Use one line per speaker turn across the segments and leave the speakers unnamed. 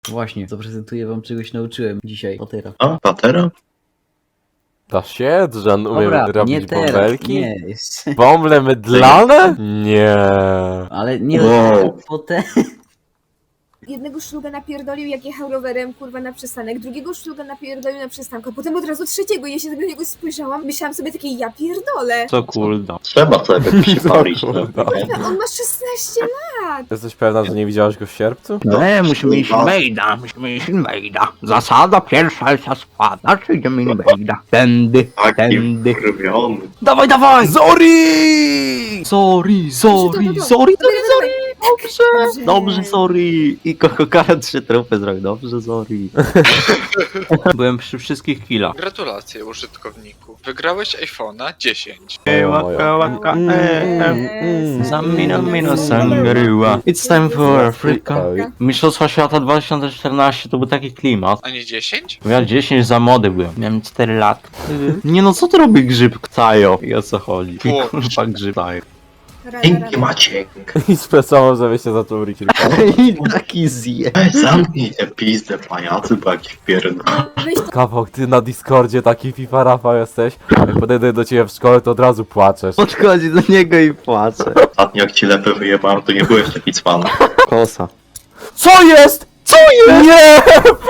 Właśnie, zaprezentuję wam czegoś nauczyłem dzisiaj. Patera.
A, patera?
Da się? Że on umie
Dobra, nie
robić
teraz,
bąbelki?
nie, jeszcze.
Bąble mydlane? Nie.
Ale nie,
Wow.
potem...
Jednego szluga napierdolił, jak jechał rowerem, kurwa, na przystanek, drugiego szluga napierdolił na przystanku, a potem od razu trzeciego, ja się na niego spojrzałam, myślałam sobie takie, ja pierdolę.
Co cooldown.
Trzeba sobie się palić. No.
Kurwa.
On ma 16 lat.
Jesteś pewna, że nie widziałaś go w sierpcu?
Nie, musimy iść invade'a, musimy iść invade'a. Zasada pierwsza się składa, czy idziemy invade'a. Tędy,
Taki
tędy.
wkurwiony.
Dawaj, dawaj!
Zori!
Sorry, sorry, sorry, dobrze! Dobrze, sorry! I Kokokara 3 trupy zrobił, dobrze, sorry. Byłem przy wszystkich killach.
Gratulacje użytkowniku. Wygrałeś iPhone'a 10.
Waka, waka, Zamina mina sangryła. It's time for Africa. Mistrzostwa Świata 2014 to był taki klimat.
A nie 10?
Ja 10 za mody byłem. Miałem 4 lata. Nie no, co to robi grzyb Ktajo? I o co chodzi?
Chłopcze.
Kurwa grzyb Ktajo.
Dzięki Maciek.
I spesował, żeby się zaczął rić
I taki zje.
Zamknij te pizdę pajacy, bo jakiś pierdol.
Weź to
Kawał, ty na Discordzie taki FIFA Rafał jesteś. Jak podejdę do ciebie w szkole, to od razu płaczesz.
Podchodzi do niego i płacze.
Ostatnio jak ci lepę wyjebałem, to nie byłeś taki cwany.
Kosa.
Co jest? Co jest? Nie!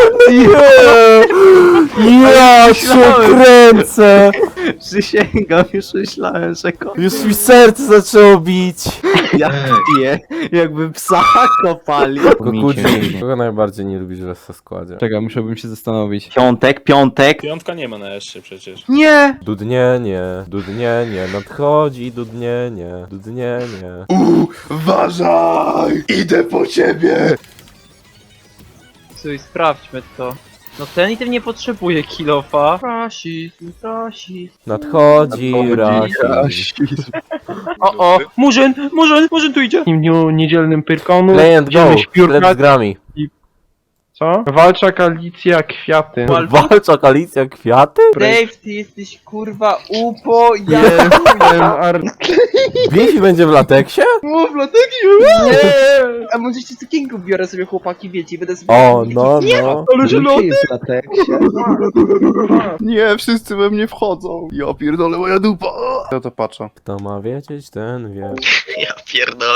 Nie! Ja się kręcę!
Przysięgam, już myślałem, że
Już mi serce zaczęło bić.
ja piję, jakby psa kopali.
Kokudzi, kogo najbardziej nie lubisz w SC składzie?
Czekaj, musiałbym się zastanowić.
Piątek, piątek.
Piątka nie ma na jeszcze przecież.
Nie!
Dudnienie, nadchodzi dudnienie.
Uważaj! Idę po ciebie!
Słuchaj, sprawdźmy to. No ten item nie potrzebuje kilofa. Rasizm.
Nadchodzi rasizm.
O, Murzyn tu idzie. W dniu niedzielnym Pyrkonu
Client go,
będziemy
sklep z
śpiórkać.
grami.
Co? Walcza koalicja kwiaty.
Walcza koalicja kwiaty?
Dave, ty jesteś kurwa upo, ja wiem,
Bifi będzie w lateksie?
Mów, dlatego nie! A może jeszcze cukierku biorę sobie chłopaki, wiecie, będę sobie...
O, no.
Ale że lody!
Nie, wszyscy we mnie wchodzą. Ja pierdolę, moja dupa. Ja to patrzę.
Kto ma wiedzieć, ten wie.
Ja pierdolę.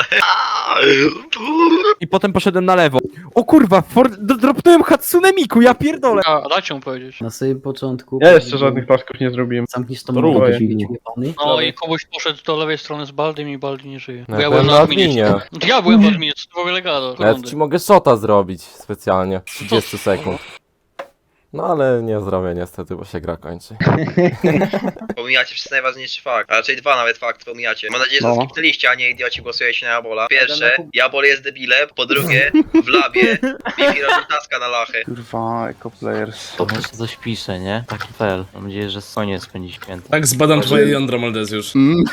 I potem poszedłem na lewo. O kurwa, dropnąłem Hatsune Miku, ja pierdolę!
A, dajcie mu powiedzieć.
Na samym początku...
Ja jeszcze żadnych tasków nie zrobiłem.
Zamkniesz tą
To
mordę,
rój.
jebany.
No i kogoś poszedł do lewej strony z Baldym i Baldy nie żyje.
No, ja byłem na adminie.
Ja byłem w adminie, co to w ogóle gada?
Nawet ci mogę shota zrobić specjalnie. 30 sekund. No ale nie zrobię niestety, bo się gra kończy.
Pomijacie przez najważniejszy fakt, a raczej dwa nawet fakty pomijacie. Mam nadzieję, że skipnęliście, a nie idioci głosujecie na Jabola. Pierwsze, Jabol jest debilem, po drugie, w labie, Bifi robi taska na lachę.
Kurwa, eco players.
To może coś pisze, nie? Taki fel. Mam nadzieję, że Sonia spędzi święto.
Tak zbadam twoje jądro, Moldezjusz.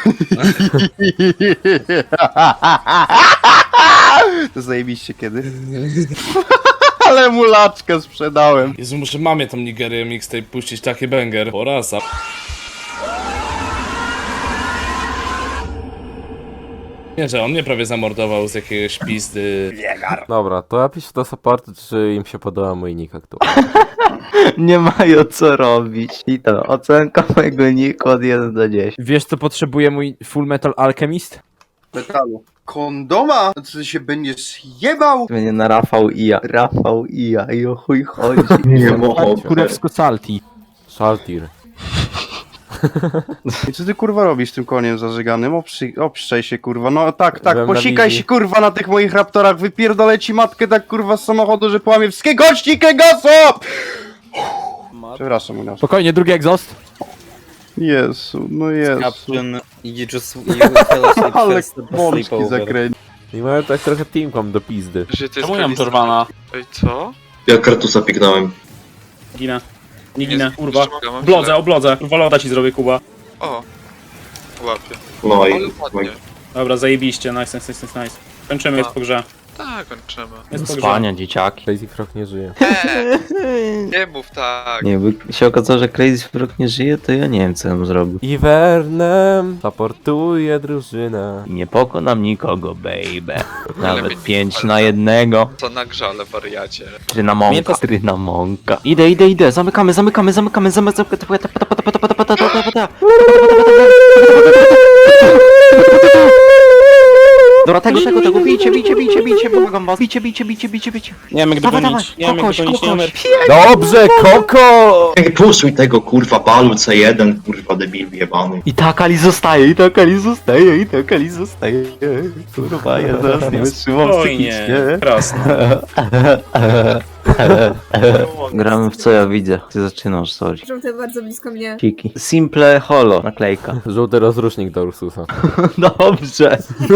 To zajebiście kiedy? Ale mulaczkę sprzedałem.
Jezu, muszę mamie tą Nigerię mixtape puścić, taki banger. Porasa. Nie, że on mnie prawie zamordował z jakiegoś pizdy.
Dobra, to ja piszę do supportu, czy im się podoba mój nick aktualnie.
Nie mają co robić. I to, ocenka mojego niku od 1 do 10.
Wiesz co potrzebuje mój Full Metal Alchemist?
Metalu. Kondoma? To ty się będziesz jebał?
Będzie na Rafał i ja, i o chuj chodzi.
Nie mogę.
Kurewsko salti.
Szaltir.
I co ty kurwa robisz tym koniem zażyganym? Obszczaj się kurwa, no tak,
Byłem na
posikaj
wizji.
się kurwa na tych moich raptorach, wypierdolę ci matkę tak kurwa z samochodu, że połamie wszystkie kości Kegaso! Przepraszam, mój nasz.
Spokojnie, drugi egzost.
Jezu, no Jezu.
Ale
Ale bączki zakręci.
I mają tak trochę teamkom do pizdy.
Że ty
Czemu ja mam Torwana?
Ej, co?
Ja kartusa pignąłem.
Ginę. Nie ginę, kurwa.
Mam
Oblodze,
źle.
oblodze. Loda ci zrobię, Kuba.
O. Łapie.
No
Ale
i...
ładnie.
Dobra, zajebiście, nice. Kończymy, jest po grze.
Tak, kończymy.
Jest pogrzeb.
Spania, dzieciaki.
Crazy Frog nie żyje.
Nie mów tak.
Nie, by się okazało, że Crazy Frog nie żyje, to ja nie wiem, co bym zrobił.
Iwernem supportuje drużynę.
I nie pokonam nikogo, baby. Nawet
Lepiej-
5 na 1.
Co na grzale, wariacie.
Trynamonka, trynamonka. Idę. Zamykamy. Dobra, tego, bijcie, pomagam was. Bijcie.
Nie wiem, jak
Dawaj,
dogonić. Nie wiem, jak dogonić, nie wiem.
Dobrze, Koko!
Ej, puszuj tego kurwa balu C1, kurwa debil jebany.
I tak Ali zostaje. Kurwa, ja zaraz nie wytrzymam
Spokojnie, prosto.
Gramy w co ja widzę. Ty zaczynasz, sorry.
Żółte bardzo blisko mnie.
Kiki. Simple holo, naklejka.
Żółty rozrusznik do Ursusa.
Dobrze.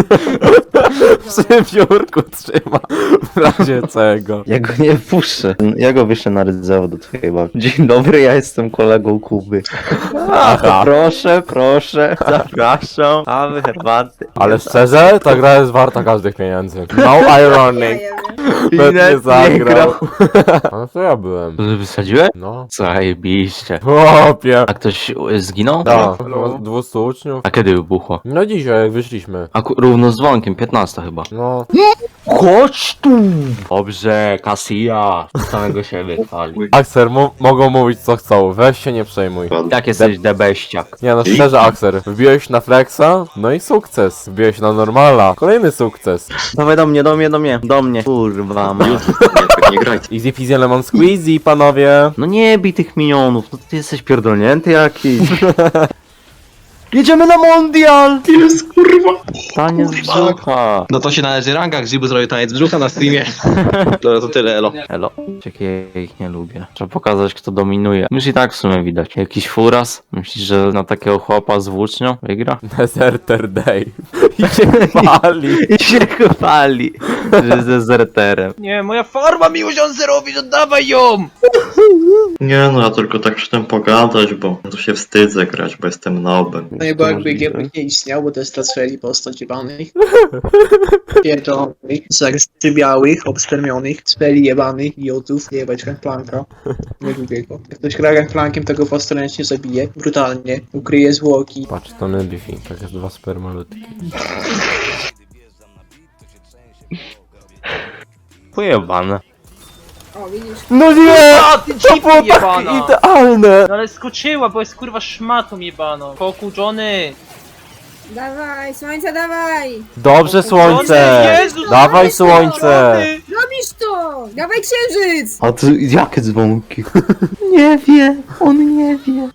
Przy biurku trzyma. W razie czego.
Ja go nie puszczę. Ja go wyszedł na rydzeo do twojej babci. Dzień dobry, ja jestem kolegą Kuby.
Aha.
Proszę, zapraszam. Kawy, herbaty.
Ale szczerze, ta gra jest warta każdych pieniędzy. No ironic. Pewnie zagrał. A co ja byłem?
Wysadziłeś?
No.
Zajebiście.
Chłopie.
A ktoś zginął?
Tak, 200 uczniów.
A kiedy wybuchło?
No dzisiaj, jak wyszliśmy.
A równo z dzwonkiem, 15 chyba.
No.
Chodź tu! Dobrze, Casilla. Samego siebie chwali.
Axer, mogą mówić co chcą, weź się nie przejmuj.
Jak jesteś debeściak.
Nie no, szczerze Axer, wbiłeś na flexa, no i sukces. Wbiłeś na normala, kolejny sukces.
Dawaj do mnie. Kurwa,
Nie graj.
Easy peasy lemon squeezy, panowie.
No nie bij tych minionów, no ty jesteś pierdolnięty jakiś. Jedziemy na mundial!
Jest kurwa.
Taniec brzucha.
No to się należy ranga, Grzybu zrobił taniec brzucha na streamie. Dobra, to tyle, elo.
Elo. Jakie ja ich nie lubię. Trzeba pokazać, kto dominuje. Już i tak w sumie widać. Jakiś furas? Myślisz, że na takiego chłopa z włócznią wygra?
Deserter day. I się pali.
I się chwali, że jest dezerterem.
Nie, moja farma mi uziął zerowi, oddawaj ją!
Nie no, ja tylko tak przy tym pogadać, bo to się wstydzę grać, bo jestem nobem.
No i bo jakby
GP nie istniał, bo to jest transferi postać jebanych. Pierdolonych, białych, obstermionych, cfeli jebanych, idiotów, jebać Gangplanka. Nie lubię go. Jak ktoś gra Gangplankiem, to go postręcznie zabije, brutalnie, ukryje zwłoki.
Patrz, to nie bifi, tak jest 2 spermalutki.
Pojebane.
O, widzisz?
No nie!
A, ty
To było
dziwko
tak
jebana!
idealne!
No ale skoczyła, bo jest kurwa szmatą jebaną. Pokuczony!
Dawaj, słońce, dawaj!
Dobrze słońce!
Jezus,
Dawaj słońce!
Robisz to! Dawaj księżyc!
A ty jakie dzwonki? Nie wie, on nie wie.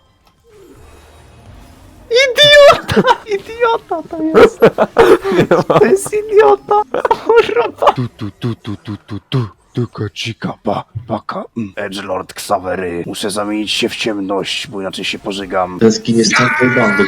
Idiota to jest. To jest idiota. Kurwa.
Tylko cika, baka. Edgelord Xavery. Muszę zamienić się w ciemność, bo inaczej się pożygam.
Ten skin jest całej bandy,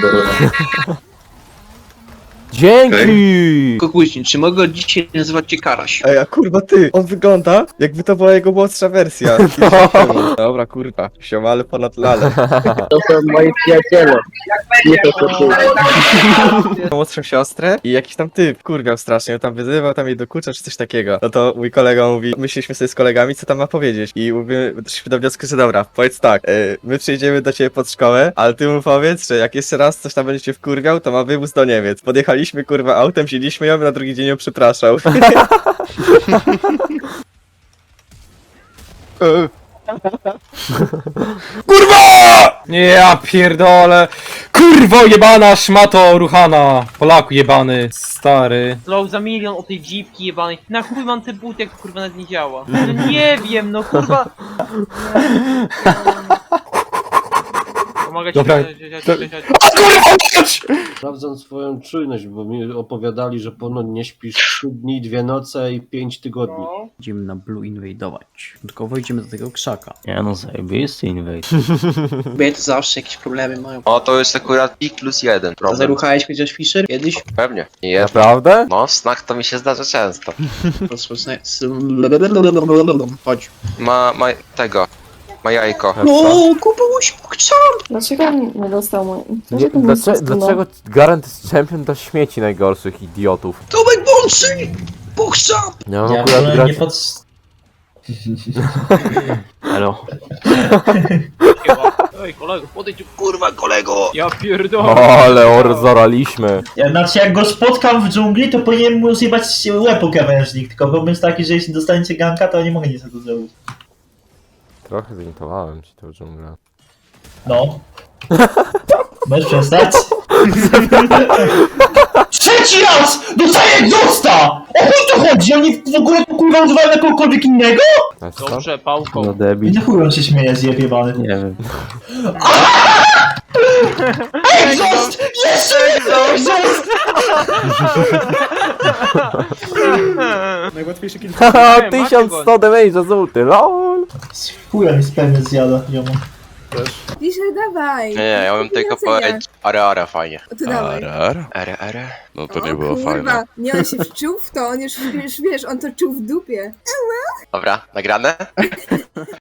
Dzięki!
Kukuśnik, czy mogę dzisiaj nazywać cię Karaś?
Ej, a kurwa ty, on wygląda jakby to była jego młodsza wersja. Dobra, kurwa, siomale ponad lale.
To są moi przyjaciele. Nie to
Młodszą siostrę i jakiś tam typ, kurwiał strasznie, tam wyzywał, tam jej dokuczał czy coś takiego. No to mój kolega mówi, myśleliśmy sobie z kolegami, co tam ma powiedzieć. I mówimy, doszliśmy do wniosku, że dobra, powiedz tak, my przyjdziemy do ciebie pod szkołę, ale ty mu powiedz, że jak jeszcze raz coś tam będzie cię wkurwiał, to ma wywóz do Niemiec. Podjechaliśmy kurwa autem, wzięliśmy ją i na drugi dzień ją przepraszał.
Kurwa! Nie, ja pierdolę. Kurwo jebana, szmato ruchana. Polaku jebany, stary.
Zlał za milion o tej dziwki jebanej. Na chuj mam te buty, jak kurwa nawet nie działa. No nie wiem, no kurwa. Pomagać
Dobra,
Sprawdzam swoją czujność, bo mi opowiadali, że ponoć nie śpisz 3 dni, 2 noce i 5 tygodni.
Będziemy na Blue inwadować. Tylko wejdziemy do tego krzaka.
Nie no, zajebisty invade.
Kobiety to zawsze jakieś problemy mają.
O, to jest akurat +1 problem.
Zaruchałeś chociaż Fisher kiedyś?
Pewnie. Nie,
Naprawdę?
no, w snach to mi się zdarza często.
Chodź.
Ma tego. Ma jajko.
No, kupiłeś pokczam!
Dlaczego nie dostał mój...
Dlaczego Garant jest champion do śmieci najgorszych idiotów?
Tomek Bączy! Puszczam!
Ja mam akurat grać...
Elo.
Ej, kolego, podejdź.
Kurwa, kolego!
Ja pierdolę.
O, ale zaraliśmy.
Znaczy, jak go spotkam w dżungli, to powinienem mu zjebać łeb o krawężnik, tylko problem jest taki, że jeśli dostaniecie ganka, to nie mogę nic na to zrobić.
Trochę zintowałem ci tą dżunglę.
No. Możesz przestać? Trzeci raz! Dostaję egzosta! O chuj tu chodzi? Oni w ogóle to kurwa używają na kogokolwiek innego?
Dobrze, pałką.
No debil.
Nie chuj on się śmieje, zjebany.
Nie wiem.
Egzost! Jeszcze egzost! Najłatwiejszy kill.
Haha, 1100 damage żółty, lol.
Chuja mi spełnię zjada, jomo.
Pisze, dawaj.
Nie, ja bym tylko powiedzieć ara fajnie.
To dawaj.
Ara? No
O, kurwa, nie, on się wczuł w to, on już wiesz, on to czuł w dupie.
Dobra, nagrane?